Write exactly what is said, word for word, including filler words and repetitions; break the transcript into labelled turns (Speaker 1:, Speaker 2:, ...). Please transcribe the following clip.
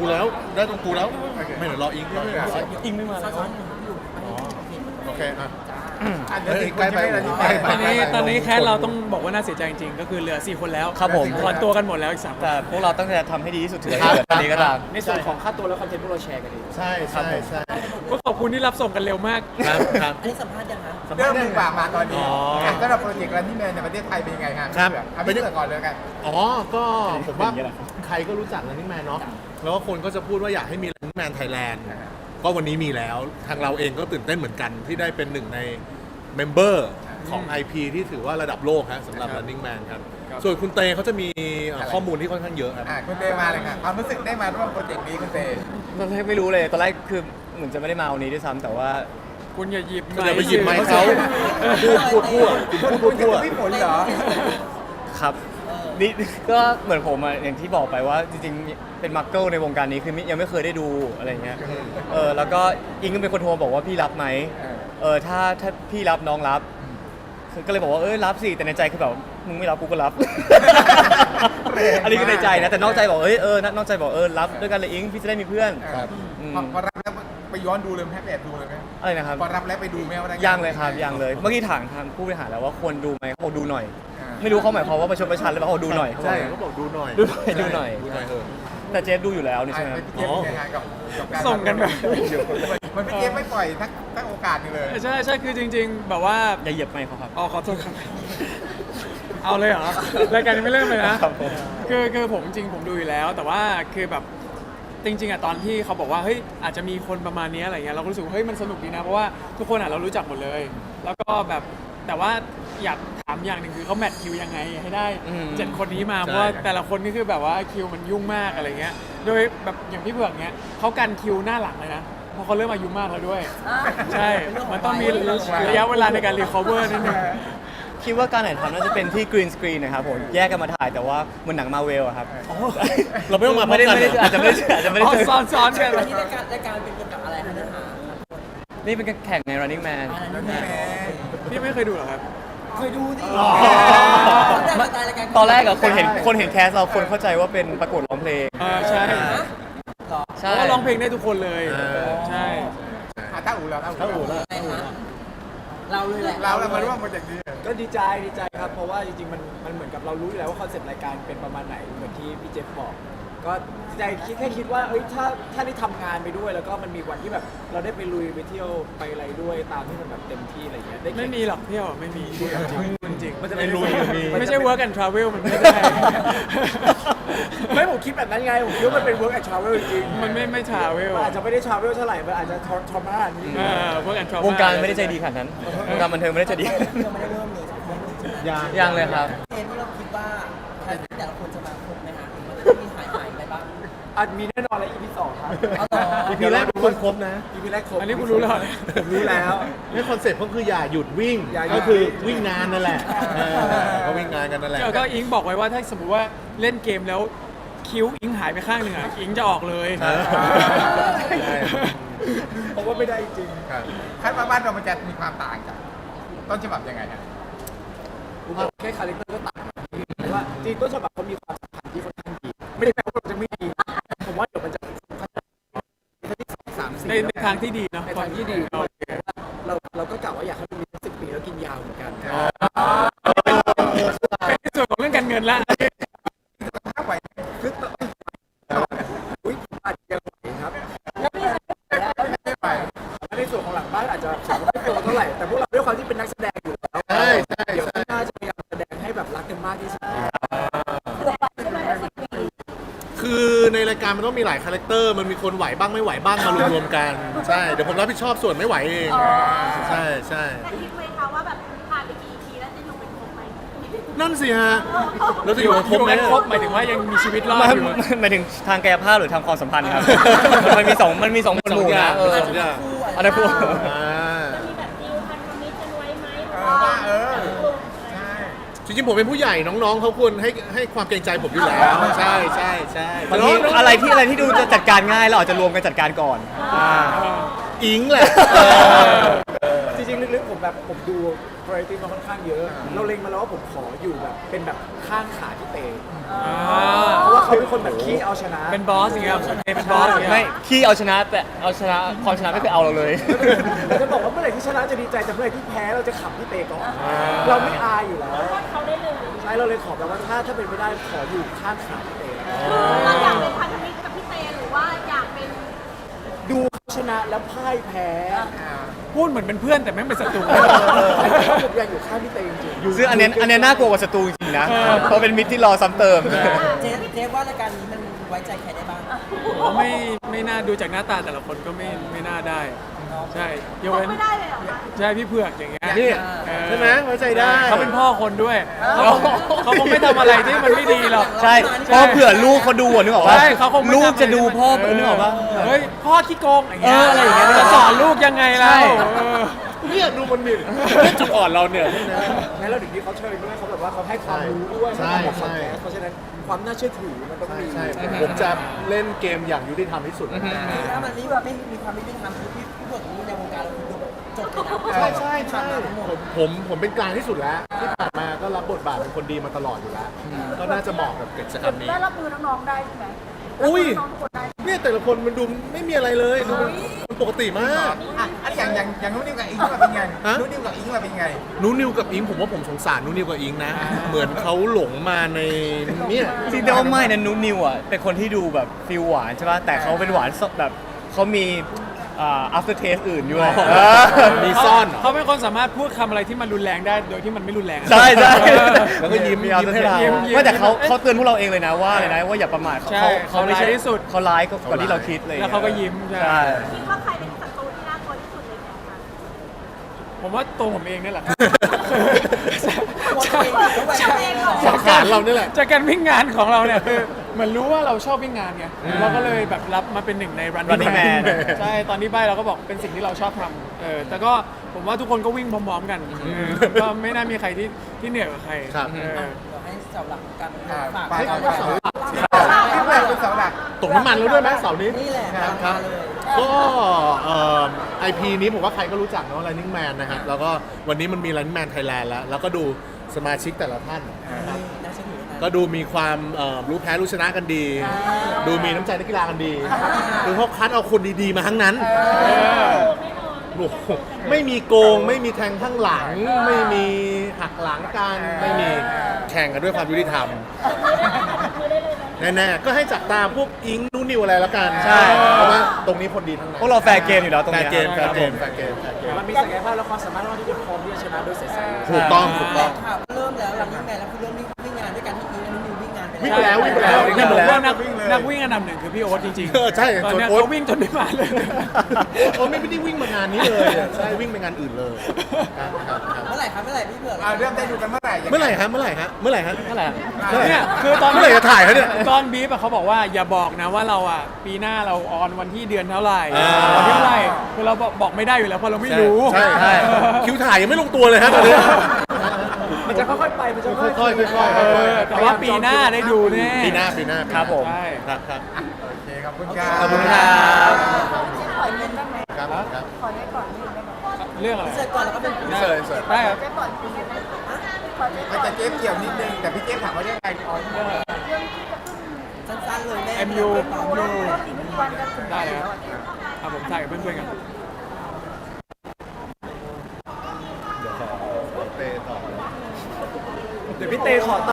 Speaker 1: แล้วได้ตรงกูแล้วไม่เดี๋ยวรออิงรออิง
Speaker 2: อิงไม่มาแล้ว
Speaker 1: โอเคอ่ะ
Speaker 3: เฮ้ยใกล้ไป
Speaker 2: ตอนนี้ตอนนี้แค่เราต้องบอกว่าน่าเสียใจจริงๆก็คือเหลือสี่คนแล้ว
Speaker 4: ครับผม
Speaker 2: ถอนตัวกันหมดแล้วอีกสาม
Speaker 4: แต่พวกเราตั้งใจทำให้ดีที่สุดถึงจะเกิดตอนนี้ก็ตาม
Speaker 2: ในส่วนของค่าตัวและคอนเทนต์พวกเราแชร์กันดี
Speaker 1: ใช่ใช่ใช่
Speaker 2: ก็ขอบคุณที่รับส่งกันเร็วมาก
Speaker 1: ครับครับ
Speaker 5: อันนี้สัมภาษณ์ยังคะ
Speaker 3: เริ่มดีกว่ามาตอนนี้
Speaker 1: อ๋อ
Speaker 3: สำหรับโปรเจกต์ Running Man ในประเทศไทยเป็นยังไงครับ
Speaker 1: ครับ
Speaker 3: เอาพี่เลือกก่อนเลยกัน
Speaker 1: อ๋อ ก็ผมว่าใครก็รู้จัก Running Man เนาะ แล้วก็คนก็จะพูดว่าอยากให้มี Running Man Thailand ก็วันนี้มีแล้ว ทางเราเองก็ตื่นเต้นเหมือนกันที่ได้เป็นหนึ่งในเมมเบอร์ของ ไอ พี ที่ถือว่าระดับโลกฮะสำหรับ Running Man ครับ ส่วนคุณเตเขาจะมีเอ่อข้อมูลที่ค่อนข้างเยอะครับ
Speaker 3: อ่ะคุณเตมาเลยค่ะความรู้สึกได้มาร่วมโปรเจกต์นี้คุณเต
Speaker 4: ตอนแรกไม่รู้เลยตอนแรกคือเหมือนจะไม่ได้มาวันนี้ด้วยซ้ำแต่ว่า
Speaker 2: คุณอย่าหยิบ
Speaker 1: อย่าไปหยิบไมค์เขาพูดพูดพูดพูดพูดพูด
Speaker 3: พี่ฝนเหรอ
Speaker 4: ครับนี่ก็เหมือนผมอะอย่างที่บอกไปว่าจริงๆเป็นมักเกิลในวงการนี้คือยังไม่เคยได้ดูอะไรเงี้ยเออแล้วก็อิงก็เป็นคนโทรบอกว่าพี่รับไหมเออถ้าถ้าพี่รับน้องรับก็เลยบอกว่าเออรับสิแต่ในใจคือแบบมึงไม่รับกูก็รับ อันนี้ก็ในใจนะแต่นอกใจบอกเอ้ยเออนอกใจบอกเออรับด้วยกันเลยอิงพี่จะได้มีเพื่อน
Speaker 3: ครับ
Speaker 4: อืม
Speaker 3: พอพอรับแล้วไปย้อนดูเลยไหมแอบดูเลยไหม
Speaker 4: อะไรนะครับ
Speaker 3: พอรับแล้วไปดูไหมว่าได้
Speaker 4: ยังเลยครับยังเลยเมื่อกี้ถามทางผู้บริหารแล้วว่าควรดูไหมเขาบอกดูหน่อย
Speaker 3: อ่า
Speaker 4: ไม่รู้เขาหมายความว่าประชดประชันหรือเปล่าเขาบอกดูหน่อย
Speaker 1: ใช่เขาบอกดูหน่อย
Speaker 4: ดูหน่อยดูหน่อย
Speaker 1: ดูหน่อยเออ
Speaker 4: แต่เจฟดูอยู่แล้วนี่
Speaker 3: อ่ะ
Speaker 4: ใช่ไหม
Speaker 3: ไปพี่เจฟเป็นยังไงกับกับการ
Speaker 2: ส่งกันแบบ
Speaker 3: มันพี่เจฟไม่ปล่อยทักทักโอกาสหนึงเลย
Speaker 2: ใช่ใช่คือจริง ๆ แบบว่า
Speaker 4: อย่าเหยียบไมค์เขาครับ
Speaker 2: อ๋อขอโทษครับ เอาเลยเหรอ รายการยังไม่เริ่มเลยนะครับ
Speaker 4: ผม
Speaker 2: คือคือผมจริงผมดูอยู่แล้ว แต่ว่าคือแบบจริงๆอะตอนที่เขาบอกว่าเฮ้ยอาจจะมีคนประมาณนี้อะไรเงี้ยเราก็รู้สึกว่าเฮ้ยมันสนุกดีนะเพราะว่าทุกคนอะเรารู้จักหมดเลย แล้วก็แบบแต่ว่าอยากถามอย่างหนึ่งคือเขาแมทคิวยังไงให้ได้
Speaker 4: อืม
Speaker 2: เจ็ดคนนี้มา
Speaker 1: ใช่
Speaker 2: เพราะว่าแต่ละคนก็คือแบบว่าคิวมันยุ่งมากอะไรเงี้ยโดยแบบอย่างพี่เผือกเนี้ยเขากันคิวหน้าหลังเลยนะเพราะเขาเริ่มอายุมากแล้วด้วย ใช่ มันต้องมีระยะเวลาในการรีคอเวอร์นิดนึง
Speaker 4: คิดว่าการถ่ายทำน่าจะเป็นที่กรีนสกรีนนะครับผมแยกกันมาถ่ายแต่ว่าเหมือนหนังมาเวลอะครับ
Speaker 1: เราไม่ต้องมาพร้อ
Speaker 4: ไม่
Speaker 1: ม
Speaker 4: ได้
Speaker 1: กัน
Speaker 4: ไม่ได้อาจจะไม่ได้อาจจะไม่ได้
Speaker 2: อ๋อ
Speaker 4: เจอ
Speaker 2: ซ้อนซ้อนกัน
Speaker 5: วันนี้รายการรายการเป็นเกี่ยวกับอะไรคะเนื้อหา
Speaker 4: นี่เป็นการแข่งใน running man
Speaker 2: พี่ไม่เคยดูเหรอครับ
Speaker 5: เคยดูดิ
Speaker 2: อ๋อ
Speaker 4: ตอนแรกอะคนเห็นคนเห็นแคสเราคนเข้าใจว่าเป็นประกวดร้องเพลง
Speaker 2: เออใช่
Speaker 4: ใช่
Speaker 2: เพราะว่าร้องเพลงได้ทุกคนเลย
Speaker 1: เออ
Speaker 2: ใช่
Speaker 3: อ่ะถ้าอู่เราถ้าอู่เรา
Speaker 5: อะไรคะเราเลยแหละ
Speaker 3: เราเรามาร่วมโปรเจกต์นี้
Speaker 6: ก็ดีใจดีใจครับ เพราะว่าจริงๆมันมันเหมือนกับเรารู้อยู่แล้วว่าคอนเซ็ปต์รายการเป็นประมาณไหนเหมือนที่พี่เจฟบอก ก็ดีใจคิดแค่คิดว่าเอ้ยถ้าถ้าได้ทำงานไปด้วย แล้วก็มันมีวันที่แบบเราได้ไปลุยไปเที่ยวไปอะไรด้วยตามที่มันแบบเต็มที่อะไรเงี้ยได้แข่ง
Speaker 2: ไม่มีหรอกเที่ยวอะไม่มีจริงจริง
Speaker 6: มันจะ
Speaker 1: ไม่ลุยมี
Speaker 2: ไม่ใช่ work and travel มันไม่ได้
Speaker 6: ไม่ผมคิดแบบนั้นไงผมคิดว่ามันเป็น work and travel จริงๆ
Speaker 2: มันไม่ไม่ travel
Speaker 6: มันอาจจะไม่ได้ travel เท่าไหร่มันอาจจะทรมานนี้
Speaker 2: เออ work and travel
Speaker 4: วงการไม่ได้ใจดีขนาดนั้นวงการบันเทิงไม่ได้ใจดี
Speaker 5: ยังไม่ได้เริ่มเลย
Speaker 1: ยัง
Speaker 4: ยังเลยครับ
Speaker 5: เทปที่เราคิดว่าแต่ละคนจะมาครบไหมคะมันจะมีหายหายอะไรบ้าง
Speaker 6: อาจมีแน่นอนแล้ว อี พี สองครับ
Speaker 5: เอาต่อ
Speaker 1: อีพีแรกทุกคนครบนะ
Speaker 6: อี พี แรกครบ
Speaker 2: อันนี้คุณรู้แล้วเหรอ
Speaker 6: ผมรู้แล้ว
Speaker 1: นี่คอนเซ็ปต์ก็คืออย่าหยุดวิ่ง
Speaker 6: อย่าหยุด
Speaker 1: ก็คือวิ่งงานนั่นแหละเออก็วิ่งงานกันนั่นแหละ
Speaker 2: ก็ก็อิงบอกไว้ว่าถ้าสมมติว่าเล่นเกมแล้วคิ้วอิงหายไปข้างหนึ่งอ่ะอิงจะออกเลย
Speaker 1: เออใช่
Speaker 6: ผมว่าไม่ได้จริง
Speaker 3: ครับคาดว่าบ้านเรามันจะมีความต่างจากต้นฉบับยังไงครับ
Speaker 6: ผมว่าแค่คาแรคเตอร์ก็ต่างกันแต่ว่าจริงต้นฉบับเขามีความสัมพันธ์ที่ค่อนข้างดี ไม่ได้แปลว่าเราจะไม่ดี ผมว่าเดี๋ยวมันจะพัฒนาที่สองสามสี่
Speaker 2: ในในทางที่ดีเนาะ
Speaker 6: ในทางที่ดี
Speaker 2: โอเค
Speaker 6: เราเราก็กล่าวว่าอยากให้มันมีสิบปีแล้วกินยาวเหมือนกัน
Speaker 2: เป็นในส่วนของเรื่องการเงินละ
Speaker 3: ถ้าไหว
Speaker 6: คืออุ้ยอาจจะยังไหวครับ
Speaker 3: ไม่ไหว
Speaker 6: ในส่วนของหลังบ้านอาจจะถือว่าไม่โตเท่าไหร่ แต่พวกเราด้วยความที่เป็นนักแสดงอยู่แล้ว
Speaker 1: ใช่ใช่
Speaker 6: เดี๋ยว
Speaker 1: ใช่
Speaker 6: ข้างหน้าจะพยายามแสดงให้แบบรักกันมากที่สุด
Speaker 1: คือในรายการมันต้องมีหลายคาแรคเตอร์มันมีคนไหวบ้างไม่ไหวบ้างมารวมๆกันใช่เดี๋ยวผมรับผิดชอบส่วนไม่ไหวเองใช่ใช่
Speaker 7: แต่คิดไหมคะว่าแบบผ่านไปกี่ อี พี แล้วจะอยู่เป็นครบไหม
Speaker 1: นั่นสิฮะแล้วจะอยู่กันครบไหม
Speaker 2: อยู่กันครบหมายถึงว่ายังมีชีวิตรอด
Speaker 4: ไม่
Speaker 2: อยู่
Speaker 4: หมายถึงทางกายภาพหรือทางความสัมพันธ์ครับ มันมีสองมันมีสองหมวดหมู่นะเออ
Speaker 1: สองอย่าง
Speaker 4: อันนั้นพูด
Speaker 1: อ่า
Speaker 7: จะมีแบบดิวพันธมิตรกันไว้ไหม
Speaker 3: เออว่าเออใช่
Speaker 1: จริงๆผมเป็นผู้ใหญ่น้องๆเขาควรให้ให้ความเกรงใจผมอยู่แล้วใช่ใช่ใช่
Speaker 4: บางทีอะไรที่อะไรที่ดูจะจัดการง่ายเราอาจจะรวมกันจัดการก่อนอ่า
Speaker 1: อิงแหละ
Speaker 6: จริงๆลึกๆผมแบบผมดู variety มาค่อนข้างเยอะ เราเล็งมาแล้วว่าผมขออยู่แบบเป็นแบบข้างขาที่เตะเพราะว่าเขาเป็นคนแบบขี้เอาชนะ
Speaker 2: เป็นบอสอย่างเงี้ยเป็นบอสอย่างเงี้ย
Speaker 4: ไม่ขี้เอาชนะแต่เอาชนะความชนะไม่เคยเอาเราเลย
Speaker 6: เราจะบอกว่าเมื่อไหร่ที่ชนะจะดีใจแต่เมื่อไหร่ที่แพ้เราจะขำพี่เตก่อนเราไม่อายอยู่แล้ว
Speaker 7: เขาได้เลย
Speaker 6: ใช่เราเลยขอแบบว่าถ้าถ้าเป็นไม่ได้ขออยู่ข้างขาพี่เต
Speaker 7: เราอยากเป็นพันธมิตรกับพี่เตหรือว่าอยากเป็น
Speaker 6: ดูเขาชนะแล้วพ่ายแพ้
Speaker 2: พูดเหมือนเป็นเพื่อนแต่แม่งเป็นศัตรู
Speaker 6: ผมอยากอยู่ข้างพี่เตจริงๆ
Speaker 4: ซึ่งอันเนี้ยอันเนี้ยน่ากลัวกว่าศัตรูจริงๆนะ เพราะเป็นมิตรที่รอซ้ำเติม
Speaker 5: เจ๊เจ๊ว่ารายการนี้มันไว้ใจใครได้บ้าง
Speaker 2: ผมไม่ไม่น่าดูจากหน้าตาแต่ละคนก็ไม่ไม่น่าได้ ใช่ยกเว้น
Speaker 7: ไม่ได้เลยเหรอคะ
Speaker 2: ใช่พี่เผือกอย่างเงี้ย
Speaker 1: นี่
Speaker 2: เออ
Speaker 1: ใช่ไหมไว้ใจได้
Speaker 2: เขาเป็นพ่อคนด้วยเขาคงเขาคงไม่ทำอะไรที่มันไม่ดีหรอก
Speaker 4: ใช่เพราะเผื่อลูกเขาดูอะนึกออกปะ
Speaker 2: ใช่เขาคงไม่
Speaker 4: ลูก
Speaker 2: ทำ
Speaker 4: จะดูพ่อนึกออกปะ
Speaker 2: เฮ้ยพ่อขี้โกงอย่างเงี้ย
Speaker 4: เอออะไรอย่างเงี้ย
Speaker 2: จะสอนลูกยังไงล่ะ
Speaker 4: ใช่
Speaker 2: เออ
Speaker 1: เนี่ยดูมันดิจุดอ่อนเราเนี่ย
Speaker 6: งั้นเราถึงที่เขาเชิญด้วยเขาแบบว่าเขาให้ความรู้ด้วย
Speaker 1: ใช่
Speaker 6: เขาบอก
Speaker 1: ใช่
Speaker 6: คอนแทสเพราะฉะนั้นความน่าเชื่อถือมันต้องมี
Speaker 1: ใช่ผมผมจะเล่นเกมอย่างยุติธรรมที่สุด
Speaker 5: ถ้ามันนี่แบบไม่มีความไม่ยุติธรรมคือพี่พี่เบิร์ดนี่ในวงการเราคือดูแบบจบเลยนะ
Speaker 1: ใช่ใช่ใช่ผมผมผมเป็นกลางที่สุดแล้ว ที่ผ่านมาก็รับบทบาทเป็นคนดีมาตลอดอยู่แล้ว ก็น่าจะเหมาะกับกิจกรรมนี้
Speaker 7: ได้รับมือน้องๆได้ใช่ไหม
Speaker 1: อุ้ย
Speaker 7: น้องๆทุกคนได้
Speaker 1: เนี่ยแต่ละคนมันดูไม่มีอะไรเลยดูเป็นคนปกติมาก
Speaker 3: อ่ะอันนี้อย่างอย่างอย่างนู้นนิวกับอิงมาเป็นไง
Speaker 1: ฮะ
Speaker 3: นู้นนิวกับอิงมาเป็นไง
Speaker 1: นูนิวกับอิงผมว่าผมสงสารนูนิวกับอิงนะ เหมือนเขาหลงมาในเนี่ย
Speaker 4: จริงแต่ว่าไม่นะนุนิวอ่ะเป็นคนที่ดูแบบฟิลหวานใช่ป่ะแต่เขาเป็นหวานสดแบบเขามีอ่า after taste อื่นอยู่
Speaker 1: อ๋อ
Speaker 4: เออ
Speaker 1: มีซ่อนเหรอ
Speaker 2: เขาเป็นคนสามารถพูดคำอะไรที่มันรุนแรงได้โดยที่มันไม่รุนแรงอะ
Speaker 4: ใช่ใช่
Speaker 1: แล้วก็ยิ้ม
Speaker 4: มี after
Speaker 1: ยิ้มให้
Speaker 4: taste
Speaker 1: เรา
Speaker 2: ยิ้มยิ้ม
Speaker 4: ไม่แต่เขาเขาเตือนพวกเราเองเลยนะว่าอะไรนะว่าอย่าประมาทเขา
Speaker 2: ใช่
Speaker 4: เขาไม่ใช่
Speaker 2: เขาร้ายที่สุด
Speaker 4: เขาร้ายกว่าที่เราคิดเลย
Speaker 2: แล้วเขาก็ยิ้มใช่
Speaker 4: ใช่
Speaker 7: คิดว่าใครเป็นศัตรูที่น่ากลัวที่สุดเลยเนี่ยคะ
Speaker 2: ผมว่าตัวผมเองนี่แหละ
Speaker 7: ตัวเองเหรอ
Speaker 1: สังขารเรานี่แหละ
Speaker 2: จากการวิ่งงานของเราเนี่ยคือเหมือนรู้ว่าเราชอบวิ่งงานไงเราก็เลยแบบรับมาเป็นหนึ่งใน running
Speaker 4: Running
Speaker 2: man
Speaker 4: Man
Speaker 2: ใช่ตอนที่ใบเราก็บอกเป็นสิ่งที่เราชอบทำเออแต่ก็ผมว่าทุกคนก็วิ่งพร้อมๆกันเออก็ไม่น่ามีใครที่ที่เหนื่อยกว่าใคร
Speaker 1: ครับ
Speaker 2: เออ
Speaker 5: เดี๋ยวให้เสาหลักการ
Speaker 3: อ่า
Speaker 5: ฝาก
Speaker 3: ไป
Speaker 5: ให้
Speaker 3: เอา
Speaker 5: เอา
Speaker 3: เสา
Speaker 5: เสา
Speaker 3: ห
Speaker 5: ห
Speaker 3: ลั
Speaker 5: ลั
Speaker 3: ก
Speaker 5: ก
Speaker 3: ที่แรกเป็นเสาหลัก
Speaker 1: ตกน้ำมันแล้วด้วยไหมเสาร์นี้
Speaker 5: นี่แหละ
Speaker 1: ครับครับ
Speaker 5: มาเลย
Speaker 1: ก็ไอพีนี้ผมว่าใครก็รู้จักเนาะ Running Man นะครับแล้วก็วันนี้มันมี Running Man Thailand แล้ว แล้วก็ดูสมาชิกแต่ละท่าน
Speaker 5: น่าเชื่อถือนะ
Speaker 1: ก็ดูมีความเอ่อรู้แพ้รู้ชนะกันดี ดูมีน้ำใจนักกีฬากันดีคือเขาคัดเอาคนดีๆมาทั้งนั้นโอ้โหไม่มีโกง ไม่มีแทงข้างหลัง ไม่มีหักหลังกันไม่มีแข่งกันด้วยความยุติธรรม แน่ๆ ก็ให้จับตาพวกอิงนูนิวอะไรแล้วกัน
Speaker 4: ใช่
Speaker 1: เพราะว่าตรงนี้คนดีทั้งนั้น
Speaker 4: พวกเราแฟร์เกมอยู่แล้วตรง
Speaker 1: แฟ
Speaker 4: เนี้
Speaker 1: ร์
Speaker 4: ย
Speaker 1: เกมแฟร์เกมแฟร์เกมแฟร์เกม
Speaker 6: มันมีศักยภาพและความสามารถที่จะพร้อมที่จะชนะโดยใสๆ
Speaker 1: ถูกต้องถูกต้อง
Speaker 5: ข่าวก็เริ่มแล้วหลังนี้แม่แล้วคือเริ่มวิ่งงานด้วยกันที่อีนั่นนิววิ่งงานไป
Speaker 1: วิ่งไปแล้ววิ่งไปแล้ว
Speaker 2: แต่ผม
Speaker 1: วิ่งไปแล้ว
Speaker 2: ว่านักนักวิ่งอันดับหนึ่งคือพี่โอ๊ตจริง
Speaker 1: เออใช่
Speaker 2: ตอนเนี้ย
Speaker 1: โอ๊ต
Speaker 2: เขาวิ่งจนไม่มาเลย
Speaker 1: โอ้ไม่ได้วิ่งมางานนี้เลยอะใช่วิ่งไปงานอื่นเลยครับครับครับ
Speaker 5: เมื่อไหร่ครับเมื่อไหร่พี่เผือก
Speaker 3: อ่าเริ่มได้ดูกันเมื่อไหร่ยังไง
Speaker 1: เมื่อไหร่ฮะเมื่อไหร่ฮะเมื่อไหร่ฮะ
Speaker 2: เท่าไหร่
Speaker 1: เมื่อไหร่
Speaker 2: เนี่ยคือตอน
Speaker 1: เมื่อไหร่จะถ่ายเขาเนี่ย
Speaker 2: ตอนบีฟอะเขาบอกว่าอย่าบอกนะว่าเราอ่ะปีหน้าเราออนวันที่เดือนเท่าไหร่
Speaker 1: อ่า
Speaker 2: วันที่เท่าไหร่คือเราบอกบอกไม่ได้อยู่แล้วเพราะเราไม่รู้
Speaker 1: ใช่ใช่คิวถ่ายยังไม่ลงตัวเลยฮะตอนนี้
Speaker 6: มันจะค่อยๆไป มันจะค่อยๆ
Speaker 1: ค่อยๆค่อยๆ
Speaker 2: เอ
Speaker 1: ค่อย
Speaker 2: อแต่ว่าปีหน้าได้ดูแน่
Speaker 1: ๆปีหน้าปีหน้า
Speaker 4: ครับผม
Speaker 2: ใช่
Speaker 1: ครับครับ
Speaker 3: โอเคขอบคุณครับ
Speaker 1: ขอบคุณครับ
Speaker 7: ขอเงินได้ไหม
Speaker 1: ครับครับ
Speaker 7: ขอได้ก่อนนิดได้ไหม
Speaker 2: เรื่องอะไร
Speaker 5: เสร็จก่อนแล้วก็เป็น
Speaker 1: เสิร์ฟเสิร์ฟ
Speaker 2: ได้ครับ
Speaker 7: ได้ก่อนคุณได้ไหมขอได้ก่
Speaker 3: มัน
Speaker 7: อน
Speaker 3: จะเจ๊เกี่ยวนิดนึง แต่พี่เจ๊ถามว่าเรื่องอะไรอ๋อ
Speaker 5: สั้นๆเลยแม่
Speaker 2: เอ็มยู
Speaker 5: ต่อ
Speaker 7: โอ้โหอีกไม่กี่วันจะถึง
Speaker 2: ได้เลยครับเอาผมถ่ายกับเพื่อนๆกัน
Speaker 1: เดี๋ยวขอเตะต่อ
Speaker 6: เดี๋ยวพี่เตขอต่อ